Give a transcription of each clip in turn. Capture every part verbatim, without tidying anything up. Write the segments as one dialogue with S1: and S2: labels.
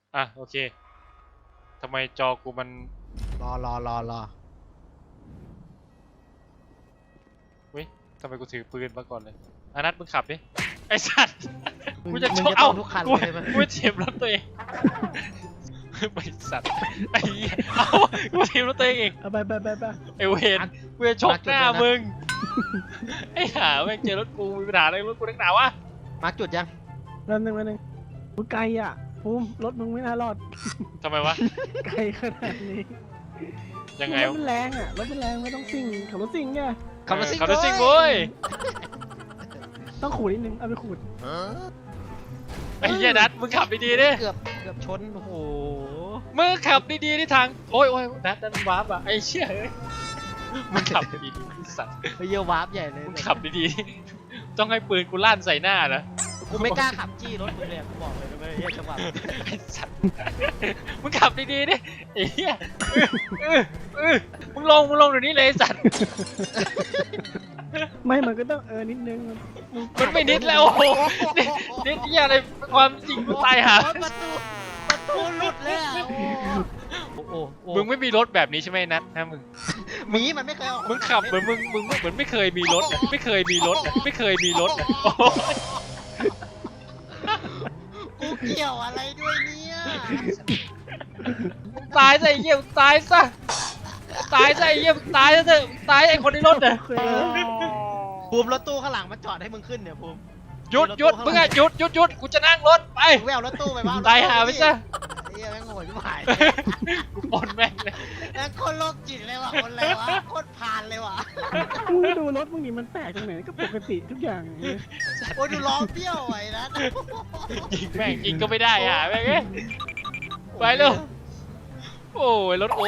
S1: อ่ะโอเคทำไมจอกูมัน
S2: รอรอรอรอ
S1: เฮ้ยทำไมกูถือปืนมาก่อนเลยอานัทมึงขับดิไอ้สัตว์กูจะช
S2: มึ
S1: น
S2: ง
S1: เอ้า
S2: ทุกคัน
S1: กู
S2: เลยไหม
S1: กูเจ็บรถตัวเองไอ้สัตว์ไอ้เหี้ยเอ้ากูเจ็บรถตัวเองเอง
S3: เอาไปไปไปไป
S1: ไอ้เวรกูจะชกหน้ามึงไอ้ห่าแม่งเจอรถกูมีปัญหาอะไรรถกูนักหนาวะ
S2: มาร์กจุดยัง
S3: นั่นหนึ่งนั่นหนึ่งกูไกลอ่ะภูมิรถมึงไม่น่ารอด
S1: ทำไมวะ
S3: ไกลขนาดนี้
S1: ยังไง
S3: รถมันแรงอ่ะรถมันแรงไม่ต้องซิ่งขับรถซิ่งไง
S2: ขับรถซิ่ง
S1: ขับรถซิ่งเว้ย
S3: ต้องขูดนิดนึงเอาไปขูด
S1: ไอ้เหี้ยนัทมึงขับดีๆดิ
S2: เกือบเกือบชนโอ้โห
S1: มึงขับดีๆที่ทางโอ้ยโอ้ยนัทนั่นวาร์ปอะไอ้เชี่ยเอ้ยมึงขับดีๆไอ้สัตว์
S2: ไปเยี่ยววาร์ปใหญ่เลย
S1: มึงขับดีๆต้องให้ปืนกูลั่นใส่หน้านะ
S2: กูไม่กล้าขับจี้รถมึงเลยกูบอกเลยนะเว้ยเฮียจังหวะ
S1: ไอ้สัตว์มึงขับดีๆดิไอ้เหี้ยเออเออมึงลงมึงลงเดี๋ยวนี้เลยไอ้สัตว์
S3: ไม่มันก็ต้องเออนิดนึง
S1: มันไม่นิดแล้วโอ้โหนิดนิดเหี้ยอะไรความจริงกูตายหา
S2: โอ้ประตูประตูหลุดเลยอ่ะโอ้โหโอ้โห
S1: มึงไม่มีรถแบบนี้ใช่ไหมนัทนะมึง
S2: หมีมันไม่เคยออก
S1: มึงขับเหมือนมึงมึงเหมือนไม่เคยมีรถอะไม่เคยมีรถอะไม่เคยมีรถอะโอ้โห
S2: กูเกี่ยวอะไรด้วยเนี่ย
S1: ตายซะไอ้เหี้ยมึงตายซะตายซะไอ้เหี้ยมึงตายซะเถอะมึงตายไอ้คนในรถเนี่ย
S3: โอเค
S2: ภูมิรถตู้ข้างหลังมันจอดให้มึงขึ้นเนี่ยภูมิ
S1: หยุดหยุดมึงอะหยุดหยุดหยุดกูจะนั่งรถไป
S2: มึงไม่เอารถตู้ไปบ้าง
S1: ตายหาไปซะ
S2: เฮียแม่งโง่ชิบหาย
S1: กูปนแม่งเลย
S2: แม่งคนโรคจิตเลยว่ะคนอะไรวะโคตรพานเลยว่ะ
S3: มึงดูรถมึงนี่มันแปลกตรงไหนก็ปกติทุกอย่างอย่างเงี้ย
S2: โอ้ยดูล้อเบี้ยวไว้นะ
S1: ยิงแม่งยิงก็ไม่ได้อ่ะแม่งเอ้ยไปเร็วโอ้ยรถโอ้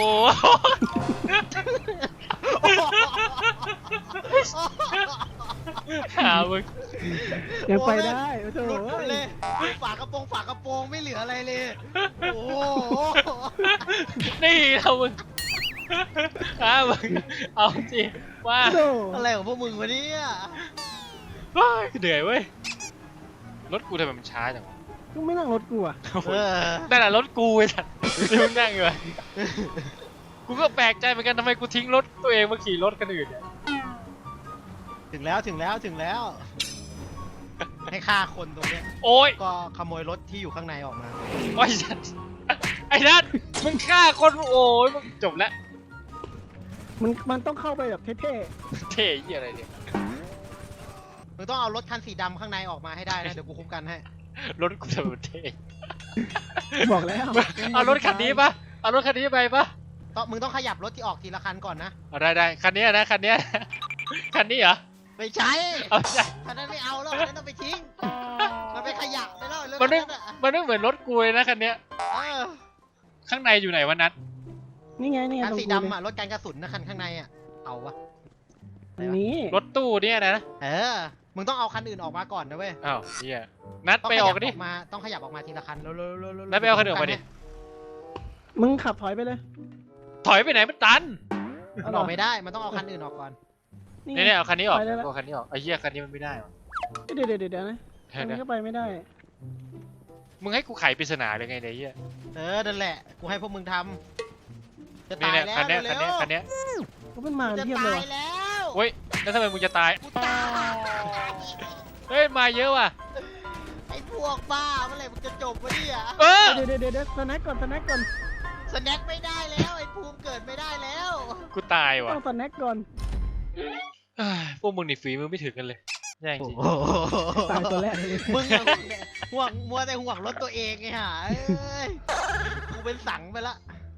S1: หามึง
S3: ยังไปได้โอ้โห
S2: หลุดหมดเลยฝากระโปรงฝากระโปรงไม่เหลืออะไรเลยโอ้โห
S1: นี่เรามึงหามึงเอาจริงว่า
S3: โอ้โห
S2: อะไรของพวกมึงวะเนี่ย
S1: เฮ้ยเหนื่อยเว้ยรถกูทำไมมันช้าจังวะ
S3: มึงไม่นั่งรถกูอ่ะ
S2: เออ
S1: นั่นแหละรถกูไอ้สัตว์ที่มึงนั่งอยู่อะกูก็แปลกใจเหมือนกันทำไมกูทิ้งรถตัวเองมาขี่รถกันอื่นเนี่ย
S2: ถึงแล้วถึงแล้วถึงแล้ว ให้ฆ่าคนตรงเนี้ย
S1: โอ้ย
S2: ก็ขโมยรถที่อยู่ข้างในออกมา
S1: โอ้ยสัตว์ไอ้นัทมึงฆ่าคนโอ้ยมึงจบแล้ว
S3: มันมันต้องเข้าไปแบบเท่
S1: เท่ยี่อะไรเนี่ย
S2: มึงต้องเอารถคันสีดำข้างในออกมาให้ได้นะเดี๋ยวกูคุ้มกันให้
S1: รถกูทำไมมันเท่
S3: ๆบอกแล้ว
S1: เอารถคันนี้ปะเอารถคันนี้ไปปะ
S2: ต้องมึงต้องขยับรถที่ออกทีละคันก่อนนะ
S1: เอาได้ได้คันนี้นะคันนี้คันนี้เหรอ
S2: ไม่ใช่
S1: เอาไม่ใช่
S2: คันนั้นไม่เอาแล้วคันนั้นต้องไปทิ้งมันเป็นขยะไปแล้วเรื่อง
S1: มันไม่
S2: นั้นอะ
S1: มันไม่เหมือนรถกูเลยนะคันเนี้ย
S2: เออ
S1: ข้างในอยู่ไหนวะนัท
S3: นี่ไงนี่ไง
S2: คัน
S3: ตรง
S2: สี
S3: กู
S2: ดำ
S3: เลย
S2: อ่ะรถการกระสุนนะคันข้างในอ่ะเอาวะ
S3: อันนี้
S1: รถตู้เนี่ยนะ
S2: เออมึงต้องเอาคันอื่นออกมาก่อนนะเว้ย
S1: อ้าวเฮียนัด
S2: ต้อง
S1: ไป
S2: ข
S1: อ
S2: ยั
S1: อกกันดิ
S2: มาต้องขยับออกมาทีละคันเร็วๆๆๆ
S1: นัดไปเอาคันอื่นออกมาดิ
S3: มึงขับถอยไปเลย
S1: ถอยไปไหนมันตัน
S2: มันออกไม่ได้มันต้องเอาคันอื่นออกก่อน
S3: นี่
S1: เนี่ยเนี่ยเอาคันนี้ออก
S3: ไปได้แล้ว
S1: เอาคันนี้ออกไอ้เหี้ยคันนี้มันไม่ได้หรอ
S3: เดี๋ยวเดี๋ยวเดี๋ยวเดี๋ยวนะ
S1: เดี๋
S3: อั
S1: ยวน
S3: นี้
S1: นะ
S3: ก็ไปไม่ได้
S1: มึงให้กูไขปริศนาเลยไงเนี่ยไอ้เหี้ย
S2: เออนั่นแหละกูให้พวกมึงทำจะ
S1: นี่
S2: ตาย
S1: เนี่ย
S2: แล้ว
S1: คันเนี้ย
S2: เร็
S1: คันเนี้ยว คันเนี้ย
S3: ก็มันมา
S2: ๆจะ
S3: เทียบเล
S2: ตาย ย
S3: ว่ะ
S2: แล้ว
S1: เฮ้ยแล้วทำไมมึงจะตาย
S2: กูตาย
S1: เฮ้ยมาเยอะว่ะ
S2: ไอ้พวกบ้าเมื่อไหร่มึงจะจบวะเนี่ย
S1: เออ
S3: เดี๋ยวเดี๋ยวเดี๋ยวเดี๋ยวสแน็คก่อนสแน็คก่อน
S2: สแน็คไม่ได้แล้วไอ้ภูมิเกิดไม่ได้แล้ว
S1: กูตายว่ะ
S3: ต้องสแน็คก่อน
S1: เฮ้ยพวกมึงนี่ฝีมือไม่ถึงกันเลยแย่จริง
S3: ตายตัวแรกเลย
S2: มึงอะห่วงมัวแต่ห่วงรถตัวเองไงฮะเอ้ยกูเป็นสังไปละ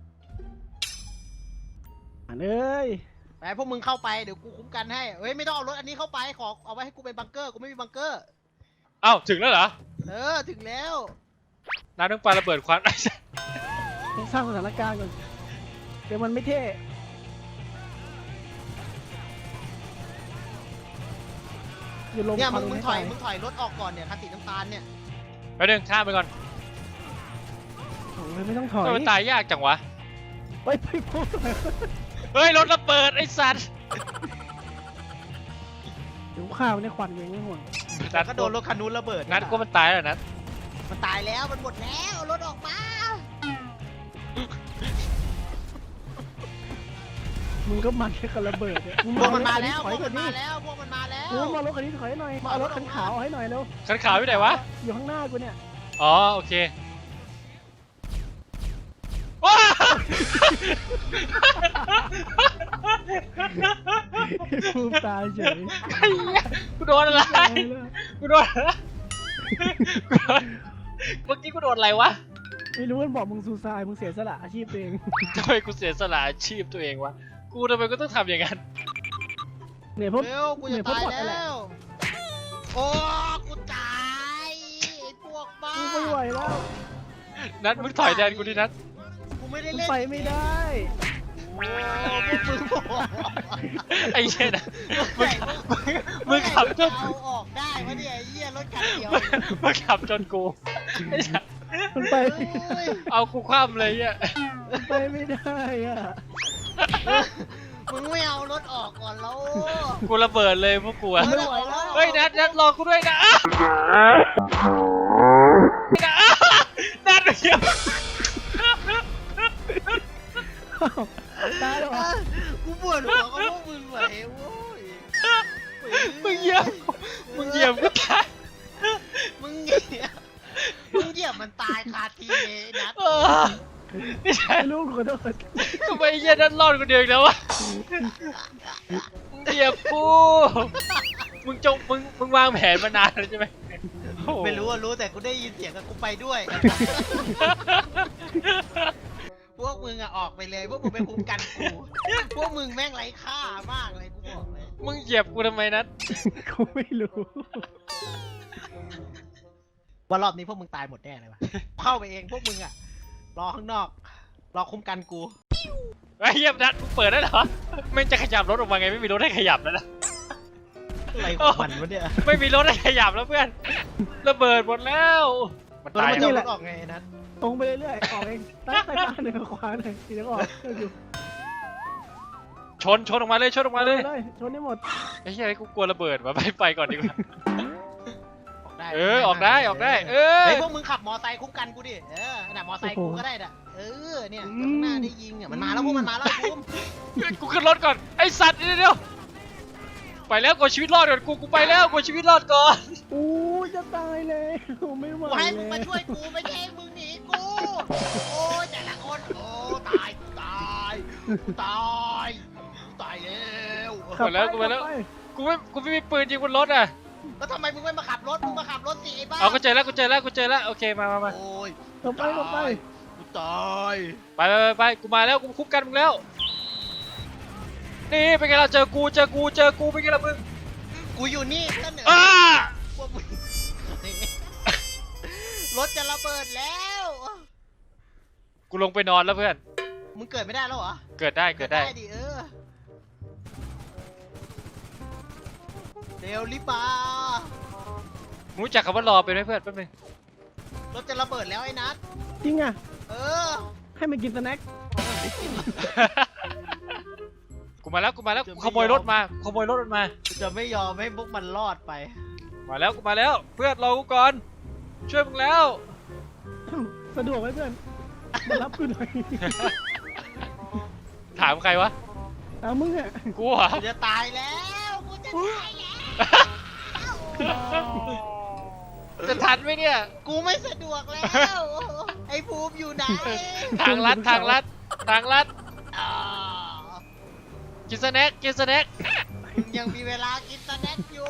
S3: อ่านเอ้ย
S2: ไปพวกมึงเข้าไปเดี๋ยวกูคุ้มกันให้เฮ้ยไม่ต้องเอารถอันนี้เข้าไปขอเอาไว้ให้กูเป็นบังเกอร์กูไม่มีบังเกอร์
S1: เอ้าถึงแล้วเหรอ
S2: เออถึงแล้ว
S1: น้ำต้องปลาระเบิดควัน
S3: ต้องสร้างสถานการณ์ก่อนเดี๋ยวมันไม่เท่อย่าลง
S2: เนี่ย
S3: ควั
S2: มึงมึง
S3: ให้
S2: ถอย
S3: ตา
S2: มึงถอยรถออกก่อนเนี่ยคันสีน้ำตาลเนี่ย
S1: ไปเดินข้ามไปก่อน
S3: โอ้ยไม่ต้องถอย
S1: ทำไมมันตายยากจังวะ
S3: ไปไปพูด
S1: เฮ้ยรถระเบิดไอ้สัตว์
S3: เดี๋ยวข้าวในควันเองไม่ห่วง
S2: แล้วก็โดนรถคันนู้นระเบิด
S1: นัดก็มันตายแล้วนัด
S2: มันตายแล้วมันหมดแล้วเอารถออกมา
S3: มึงก็มันแค่กับระเบิดเนี่ยง
S2: พวกมัน
S3: เอ
S2: มาร แล้ว
S3: ถ
S2: พ
S3: คั
S2: วก
S3: ก่
S2: มั
S3: อน
S2: น
S3: ดิ
S2: มาแล้วพวกมันมาแล้ว
S3: มึงมารถคันนี้ถอยหน่อยมาเอารถคันขาวให้หน่อยเร็ว
S1: คันขาวอยู่ไหนวะ
S3: อยู่ข้างหน้ากูเนี่ย
S1: อ๋อโอเคว้า
S3: พูดตายเฉย
S1: ไอ้เหี้ยกูโดนอะไร
S3: ตายแล้ว
S1: กูโดนอะไรกูโดนเมื่อกี้กูโดนอะไรวะ
S3: ไม่รู้มันบอกมึงซูซายมึงเสียสละอาชีพตัวเอง
S1: ทำไมกูเสียสละอาชีพตัวเองวะกูทำไมกูต้องทำอย่างนั้น
S3: เนี่ยพวก
S2: เร็วกูจะตายแล้ว โอ้กูตายไอ้พวกบ้า
S3: กูไม่ไหวแล้ว
S1: นัดมึงถอยแทนกูดินัด
S2: กูไม่ได้
S3: กู
S2: เล่น
S3: ไปไม่ได้
S2: โอ้พวกมึงบอก
S1: ไอ้เช่นนะมึงมึงมึงขับจน
S2: เอาออกได้วะเนี่ยไอ้เหี้ยรถคันเดียว
S1: มึงขับจนกูไอ้สัส
S3: มันไป
S2: เฮ้ย
S1: เอากูคว่ำเลยเนี่ย
S3: มันไปไม่ได้อ่ะ
S2: มึงไม่เอารถออกก่อนแล้ว
S1: กูระเบิดเลยพวกกูอะ
S2: ไม่ไหวแล้ว
S1: เฮ้ยนัดนัดรอกูด้วยนะอ่ะนัดเดี๋ยว
S3: ตายแล้วเหรอ
S2: กูปวดหัวกับพวกมึงไหวโว้ย
S1: มึงเหยียบมึงเหยียบกูตาย
S2: มึงเหยียบมึงเหยียบมันตายคาทีเลยนะ
S1: เออไม่ใช่
S3: ไม่รู้ขอโทษ
S1: ทำไมไอ้เหี้ยนัดรอดกูเดียวอีกแล้ววะมึงเหยียบกูมึงจงมึงมึงวางแผนมานานแล้วใช่ไหมโอ้โห
S2: ไม่รู้ว่ารู้แต่กูได้ยินเสียงกับกูไปด้วย พวกมึงอะออกไปเลย พวกมึงไปคุมกันกู พวกมึงแม่งไร้ค่ามากเลยกูบอกเลย
S1: มึงเหยียบกูทำไมนัด
S3: กูไม่รู้
S2: ว่ารอบนี้พวกมึงตายหมดแน่เลยวะเข้าไปเองพวกมึงอะรอข้างนอก รอคุมกันกู
S1: ไอ้เหี้ยนัดมึงเปิดได้เหรอไม่งจะขยับรถออกมาไงไม่มีรถให้ขยับแล้วนะ
S2: อะไรของมันวะเนี่ย
S1: ไม่มีรถให้ขยับแล้วเพื่อนระเบิดหมดแล้วมัน
S2: แล้ว
S1: ตาย
S2: มัน
S1: แล้
S2: จะ
S1: ว
S2: รถออกไงไอ้นัท
S3: ตรงไปเรื่อยๆออกเองใต้ใต้บ้านเหนือขวาหน่อยทีนี้ก็ออกเอออยู่
S1: ชนชนออกมาเลยชนออกมาเลย
S3: เลยชนให้หมด
S1: ไอ้เหี้ยกูกลัวระเบิดว่ะไปไปก่อนดีกว่า
S2: ออกได้
S1: เออออกได้ออกได้ เออ
S2: เฮ้ยพวกมึงขับมอไซค์คุ้มกันกูดิ เออน่ะมอไซค์กูก็ได้น่ะ เออเนี่ยเดี๋ยวข้างหน้าได้ยิงอ่ะมันมาแล้วพวกมันมาแล้วไอ้ภูมิ
S1: กูขึ้นรถก่อนไอ้สัตว์เดี๋ยวเดี๋ยวไปแล้วกูชีวิตรอดก่อนกูกูไปแล้วกูชีวิตรอดก่อน
S3: อู้จะตายเลยไม่ไหว
S2: กูให้มึง
S3: เล
S2: มาย ช่วยกูไม่ใช่ให้มึงหนีกู โอ้ยแต่ละคนโอ้ตายกูตายกูตายกูตายแล้ว
S3: ขับ
S1: ไปแล้วกูไปแล้ว
S3: ขับ
S1: กูไม่กูไม่มีปืนยิงบนรถอ่ะ
S2: แล้วทำไมมึงไม่มาขับรถมึงมาขับรถสิไอ้บ้า
S1: เอากูเจอแล้วกูเจอแล้วกูเจอแล้วโอเคมามามา
S2: โอ้ย
S3: ขับไปขับไป
S2: กูตาย
S1: ไปไปไปไปกูมาแล้วกูคุบกันมึงแล้วนี่เป็นไงเราเจอกูเจอกูเจอกูเป็นไงล่ะมึง
S2: กูอยู่นี่ก็เหนือ
S1: อ้า
S2: พวกมึงรถจะระเบิดแล้ว
S1: กูลงไปนอนแล้วเพื่อน
S2: มึงเกิดไม่ได้แล้วเหรอ
S1: เกิดได้เกิดได้
S2: ดิเออเร็วรีบมา
S1: มึงรู้จักคำว่ารอเป็นไหมเพื่อนแป๊บนึง
S2: รถจะระเบิดแล้วไอ้นัท
S3: จริงอ่ะ
S2: เออ
S3: ให้มันกินสแน็ค
S1: กูมาแล้วกูมาแล้วกูขโมยรถมากูขโมยรถมันมา
S2: กูจะไม่ยอมให้พวกมันรอดไป
S1: มาแล้วกูมาแล้วเพื่อนรอกูก่อนช่วยมึงแล้ว
S3: สะดวกไหมเพื่อนมารับกูหน่อย
S1: ถามใครวะ
S3: ตามมึงอ่ะ
S1: กูเหรอ
S2: กูจะตายแล้วกูจะตายแล้ว
S1: จะทันไหมเนี่ย
S2: กูไม่สะดวกแล้ว ไอ้ภูมิอยู่ไหน
S1: ทางลัดทางลัดทางลัด
S2: อ่า
S1: กินสแน็คกินสแน็ค
S2: มึงยังมีเวลากินสแน็คอยู่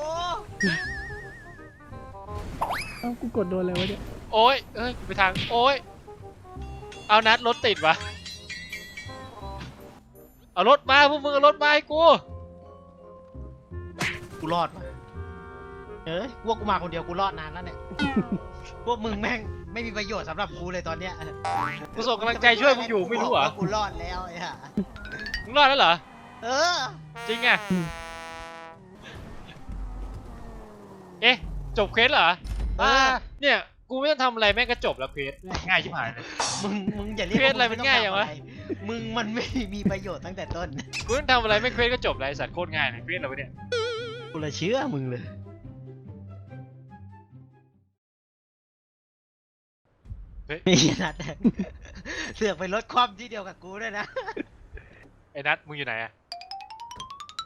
S3: เอ้ากูกดโดนอะไรวะเนี่ย
S1: โอ้ยเอ้ยไปทางโอ้ยเอานัดรถติดวะเอารถมาพวกมึงเอารถมาให้กู
S2: กูรอดว่ะเอ้ยพวกกูมาคนเดียวกูรอดนานแล้วเนี่ย พวกมึงแม่งไม่มีประโยชน์สำหรับกูเลยตอนเนี้ย
S1: กูส่งกำลังใจช่วยมึงอยู่ไม่รู้เหรอ
S2: ว่ากูรอดแล้วไอ้ห่า
S1: มึงรอดแล้วเหรอ
S2: เออ
S1: จริงอ่ะเอ๊ะจบเควสเหรอ
S2: เออ
S1: เนี่ยกูไม่ต้องทำอะไรแม่งก็จบแล้วเควสง่ายชิบหายเลย
S2: มึงมึงอย่าเรียก
S1: เควสอะไรมันง่ายอย่างวะ
S2: มึงมันไม่มีประโยชน์ตั้งแต่ต้น
S1: กูต้องทำอะไรแม่งเควสก็จบเลยไอ้สัตว์โคตรง่ายเลยเควสอะไรวะเนี่ย
S2: กูเลยเชื่อมึงเลย
S1: เฮ้ย
S2: มีนัด เสือกไปลดความที่เดียวกับกูด้วยนะ
S1: ไอ้นัทมึงอยู่ไหนอะ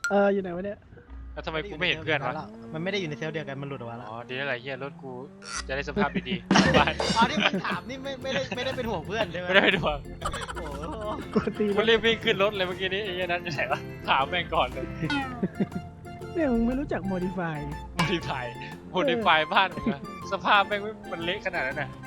S3: เอออยู่ไหนวะเนี่ย
S1: แล้วทำไมกูไม่เห็นเพื่อนวะ
S2: มันไม่ได้อยู่ในเซลล์เดียวกันมันหลุดออกมาแล้ว
S1: อ๋อดีอะไรเฮียรถกูจะได้สภาพดีๆกลับบ้าน
S2: อ๋อที่มึงถามนี่ไม่ไม่ได้ไม่ได้เป็นห่วงเพื่อนใช่ไหม
S1: ไม่ได้ไปดูอ่ะ
S2: โอ้โห
S3: กูตี
S1: กู
S3: เลย
S1: รีบวิ่งขึ้นรถเลยเมื่อกี้นี้ไอ้เหี้ยนั้นจะไหนวะถามแม่งก่อนเลย
S3: เนี่ยมึงไม่รู้จัก modify
S1: โมดิฟายโมดิฟายบ้านมึงอะสภาพแม่งไม่มันเละขนาดนั้นน่ะ